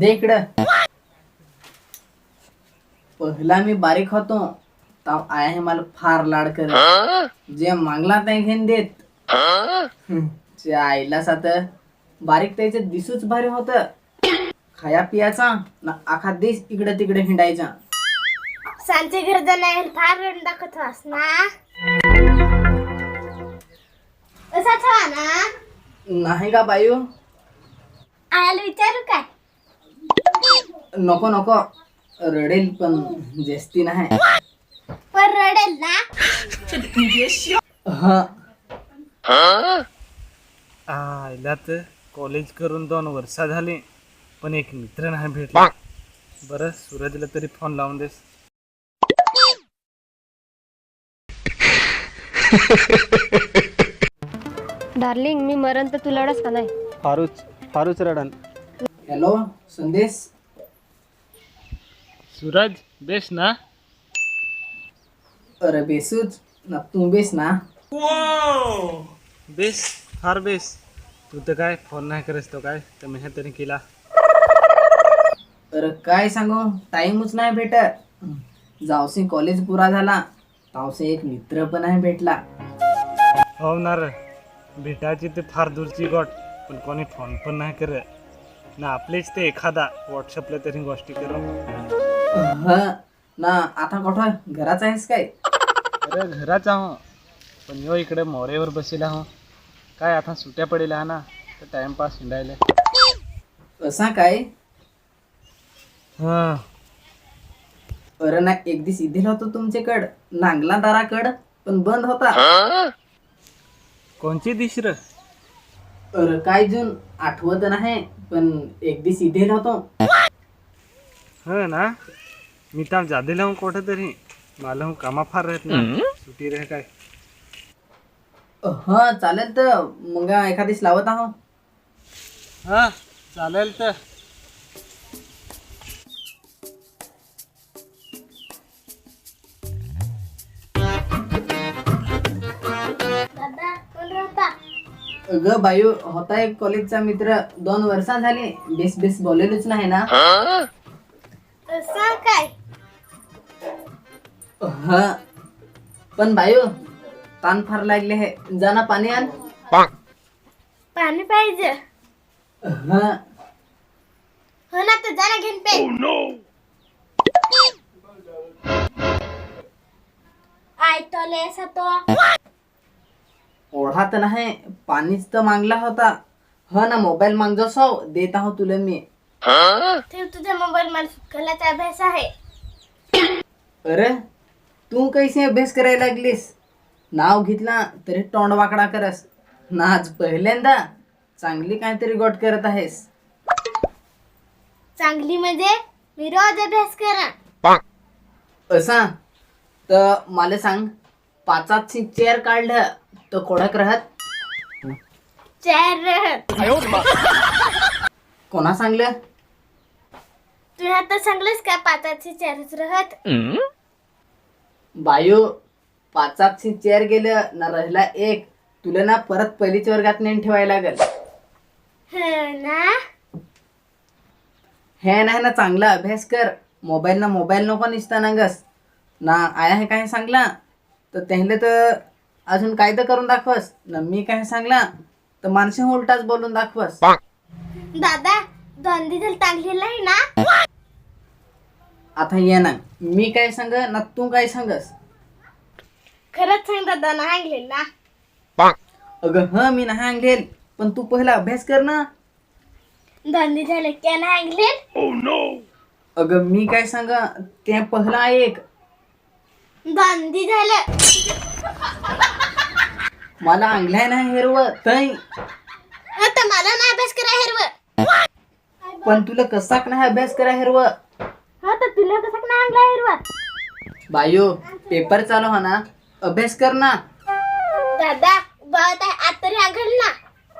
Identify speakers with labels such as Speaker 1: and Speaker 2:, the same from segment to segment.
Speaker 1: दे इकडं. पहिला मी बारीक होतो तर आया हे मला फार लाड करत. जे मागला ते घेऊन देत. जे आईलाच आता बारीक त्याचे दिसूच भारी होत. खाया पियाचा ना आखा देश इकडे तिकडे हिंडायचा.
Speaker 2: सांचे घर जाणार फार रड दाखवत वास ना. असा छवा ना.
Speaker 1: नाही का बायू?
Speaker 2: आयाला विचारू काय?
Speaker 1: नको नको, रडेल पण जेस्ती नाही.
Speaker 2: पण रडेल ना.
Speaker 3: आईला तर कॉलेज करून 2 वर्ष झाली पण एक मित्र नाही भेटला. बरं सूरजला तरी फोन लावून देस.
Speaker 4: डार्लिंग मी मरण तर तुला का नाही.
Speaker 3: फारूच रडन.
Speaker 1: हॅलो संदेश.
Speaker 3: सूरज बेस ना.
Speaker 1: अरे बेसूच ना, तू बेस ना.
Speaker 3: बेस फार बेस. तू तर काय फोन नाही करस तो काय तर मी तरी केला.
Speaker 1: अरे काय सांगू, टाइमच नाही भेटत. जावसे कॉलेज पुरा झाला तावसे एक मित्र पण नाही भेटला.
Speaker 3: हो ना रे, भेटायची ते फार दूरची गोट पण कोणी फोन पण नाही करत ना. आपलेच ते एखादा व्हॉट्सअपला तरी गोष्टी करू.
Speaker 1: ना आता कुठं घराच आहेस काय?
Speaker 3: अरे घराच आहो पण यो इकडे मोरेवर बसेला हो. काय आता सुट्या पडेल हा ना तर टाइमपास हिंडायला.
Speaker 1: असा काय?
Speaker 3: हा
Speaker 1: अरे ना एक दिवस इधेल होतो तुमच्याकड नांगला दाराकड पण बंद होता.
Speaker 3: कोणची दिश र?
Speaker 1: अरे काय जून आठवत नाही पण एक दिवस इधेल होतो.
Speaker 3: हो ना, मी तर जादेला हूँ कोठे तरी. मला हूँ कामा फार रहत ना, सुटी रह काय.
Speaker 1: हा चालेल तर मग एखादीस लावत आहो.
Speaker 3: हा चालेल तर.
Speaker 2: दादा कोण राहता?
Speaker 1: ग बायू होता एक कॉलेजचा मित्र 2 वर्षा झाली बेस बेस बोललेलोच नाही ना.
Speaker 2: असा काय?
Speaker 1: हा पण बायू ताण फार लागले हे, जाना पाणी आण.
Speaker 2: पाणी पाहिजे.
Speaker 1: हा
Speaker 2: हो ना तर जरा घेऊन पे. आय तो लेसा तो.
Speaker 1: ओढा तर नाही, पाणीच तर मागला होता. हा ना मोबाईल मागजो सौ देत आहो तुला मी.
Speaker 2: ठेव तुझ्या मोबाईल मला सुकलाचा अभ्यास आहे.
Speaker 1: अरे तू कैसे अभ्यास करायला लागलीस? नाव घेतला तरी तोंड वाकडा करस ना. आज पहिल्यांदा चांगली काहीतरी गोट करत आहेस.
Speaker 2: चांगली म्हणजे मी रोज अभ्यास करा.
Speaker 1: असा तर मला सांग, 5ची चेअर काढलं तर कोडक राहत?
Speaker 2: चार रहत.
Speaker 1: कोणा सांगलं?
Speaker 2: तू आता सांगलंस का 5ची चारच रहत?
Speaker 1: बायू 5ची चेअर गेलं ना राहिला एक, तुला ना परत पहिलीच वर्गात नेऊन ठेवायला लागेल.
Speaker 2: ना
Speaker 1: हे नाही ना, चांगला अभ्यास कर. मोबाईल नको निसता नागस ना. आया हे काय सांगला तर त्याला तर अजून काय तर करून दाखवस ना. मी काय सांगला तर माणसे उलटाच बोलून दाखवस.
Speaker 2: दादा 2 दिवस चांगलेला आहे ना.
Speaker 1: आता ये ना, मी काय सांग ना तू काय सांगस?
Speaker 2: खरंच सांग दादा ना ऐकले ना.
Speaker 1: अगं ह मी नाही आणलेल पण तू पहिला अभ्यास कर ना.
Speaker 2: 2 दिवस झाले क्या ना ऐकले.
Speaker 1: अगं मी काय सांग ते पहिला ऐक.
Speaker 2: 2 दिवस झालं.
Speaker 1: मला अंगलाय नाही हेरव तई.
Speaker 2: आता मला ना अभ्यास करा हिरव.
Speaker 1: पण तुला कसाक नाही अभ्यास करा हेरव.
Speaker 2: हा तर तुला कसं ना आणला हिरवा.
Speaker 1: बायो पेपर चालू हो ना, अभ्यास कर ना.
Speaker 2: दादा बहुत आहे आज तरी आघल ना.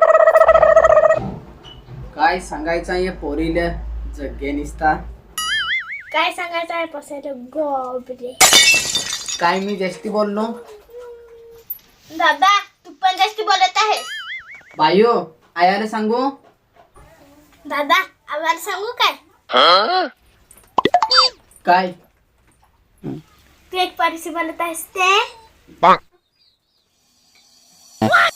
Speaker 1: काय सांगायचं आहे पोरीला जग्गे निसता.
Speaker 2: काय सांगायचं आहे पसायला गोबरे.
Speaker 1: काय मी जास्ती बोललो?
Speaker 2: दादा तू पण जास्त बोलत आहे.
Speaker 1: बायो आयाला सांगू?
Speaker 2: दादा आम्हाला सांगू काय?
Speaker 1: काय
Speaker 2: तू एक पॉलिसी बनत आहेस ते